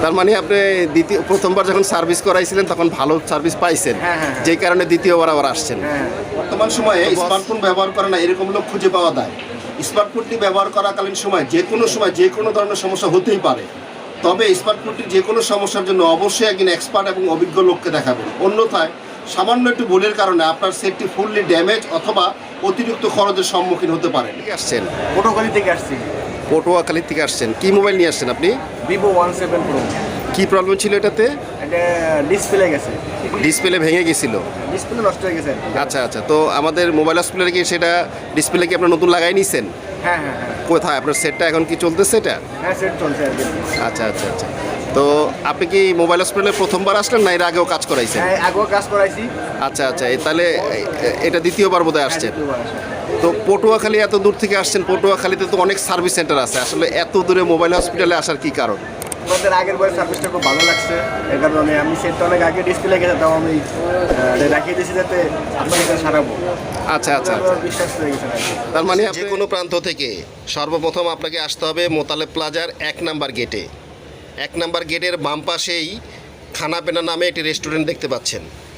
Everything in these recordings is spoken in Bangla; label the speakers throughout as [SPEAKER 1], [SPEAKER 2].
[SPEAKER 1] তার মানে আপনি প্রথমবার যখন সার্ভিস করাইছিলেন তখন ভালো সার্ভিস পাইছেন, যেই কারণে দ্বিতীয়বার আবার আসছেন। বর্তমান সময়ে স্মার্টফোন ব্যবহার করে না এরকম লোক খুঁজে পাওয়া যায়। স্মার্টফোনটি ব্যবহার করাকালীন সময় যে কোনো ধরনের সমস্যা হতেই পারে, তবে স্মার্টফোনটির যে কোনো সমস্যার জন্য অবশ্যই একজন এক্সপার্ট এবং অভিজ্ঞ লোককে দেখাবেন। অন্যথায় সামান্য একটু ভুলের কারণে আপনার সেটটি ফুললি ড্যামেজ অথবা অতিরিক্ত খরচের সম্মুখীন হতে পারেন। আসছেন
[SPEAKER 2] পটুয়াখালী থেকে আসছি।
[SPEAKER 1] পটুয়াখালী থেকে আসছেন, কি মোবাইল নিয়ে আসছেন আপনি?
[SPEAKER 2] Vivo Y7 Pro।
[SPEAKER 1] কি প্রবলেম ছিল এটাতে?
[SPEAKER 2] এটা ডিসপ্লে গেছে,
[SPEAKER 1] ডিসপ্লে ভেঙে গেছিল।
[SPEAKER 2] ডিসপ্লে নষ্ট হয়ে গেছে।
[SPEAKER 1] আচ্ছা আচ্ছা, তো আমাদের মোবাইল হসপিটালে কি সেটা ডিসপ্লে কি আপনার নতুন লাগাই নিছেন?
[SPEAKER 2] হ্যাঁ হ্যাঁ হ্যাঁ।
[SPEAKER 1] কোথায় আপনার সেটটা এখন কি চলতেছে এটা?
[SPEAKER 2] হ্যাঁ, সেট চলছে আর কি।
[SPEAKER 1] আচ্ছা আচ্ছা আচ্ছা, তো আপনি কি মোবাইল হসপিটালে প্রথমবার আসলেন না এর আগেও কাজ করাইছেন?
[SPEAKER 2] হ্যাঁ, আগেও কাজ করাইছি।
[SPEAKER 1] আচ্ছা আচ্ছা, তাহলে এটা দ্বিতীয়বার বোধহয় আসছেন।
[SPEAKER 2] দ্বিতীয়বার আসা।
[SPEAKER 1] তো পটুয়াখালী এত দূর থেকে আসছেন, পটুয়াখালীতে তো অনেক সার্ভিস সেন্টার আছে, আসলে এত দূরে মোবাইল হসপিটালে আসার কি কারণ?
[SPEAKER 2] আমাদের আগের বয়স সার্ভিসটা খুব ভালো লাগছে, এর কারণে আমি সেটটা অনেক আগে ডিসপ্লে গেছে, তাও আমি রাখিয়ে দিয়েছি যাতে আপনার কাছে সারাবো।
[SPEAKER 1] আচ্ছা আচ্ছা আচ্ছা,
[SPEAKER 2] বিশ্বাস হয়ে গেছে আর কি।
[SPEAKER 1] তার মানে যে কোনো প্রান্ত থেকে সর্বপ্রথম আপনাকে আসতে হবে মোতালেব প্লাজার 1 নাম্বার গেটে। 1 নাম্বার গেটের বাম পাশেই খানাপেনা নামে একটি রেস্টুরেন্ট দেখতে পাচ্ছেন,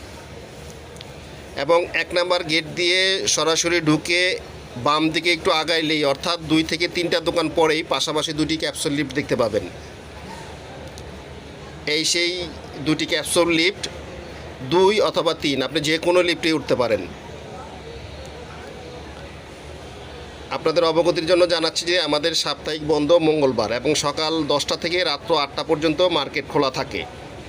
[SPEAKER 1] এবং 1 নাম্বার গেট দিয়ে সরাসরি ঢুকে বাম দিকে একটু আগাইলেই, অর্থাৎ 2 থেকে 3টা দোকান পরেই পাশাপাশি 2টি ক্যাপসুল লিফট দেখতে পাবেন। এই সেই 2টি ক্যাপসুল লিফট, 2 অথবা 3, আপনি যে কোনো লিফটে উঠতে পারেন। আপনাদের অবগতির জন্য জানাচ্ছি যে আমাদের সাপ্তাহিক বন্ধ মঙ্গলবার, এবং সকাল 10টা থেকে রাত্র 8টা পর্যন্ত মার্কেট খোলা থাকে।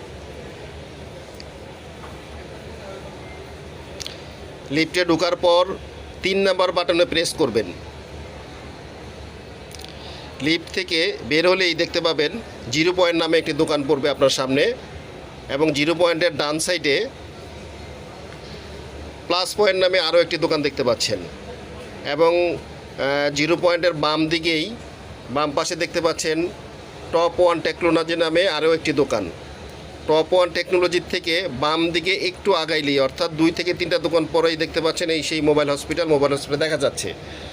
[SPEAKER 1] লিফটে ঢোকার পর 3 নাম্বার বাটনে প্রেস করবেন। লিফট থেকে বের হলেই দেখতে পাবেন 0 পয়েন্ট নামে একটি দোকান পড়বে আপনার সামনে, এবং 0 পয়েন্টের ডান সাইডে প্লাস পয়েন্ট নামে আরও একটি দোকান দেখতে পাচ্ছেন, এবং 0 পয়েন্টের বাম দিকেই বাম পাশে দেখতে পাচ্ছেন টপ 1 টেকনোলজি নামে আরও একটি দোকান। টপ 1 টেকনোলজির থেকে বাম দিকে একটু আগাইলেই, অর্থাৎ 2 থেকে 3টা দোকান পরেই দেখতে পাচ্ছেন এই সেই মোবাইল হসপিটাল দেখা যাচ্ছে।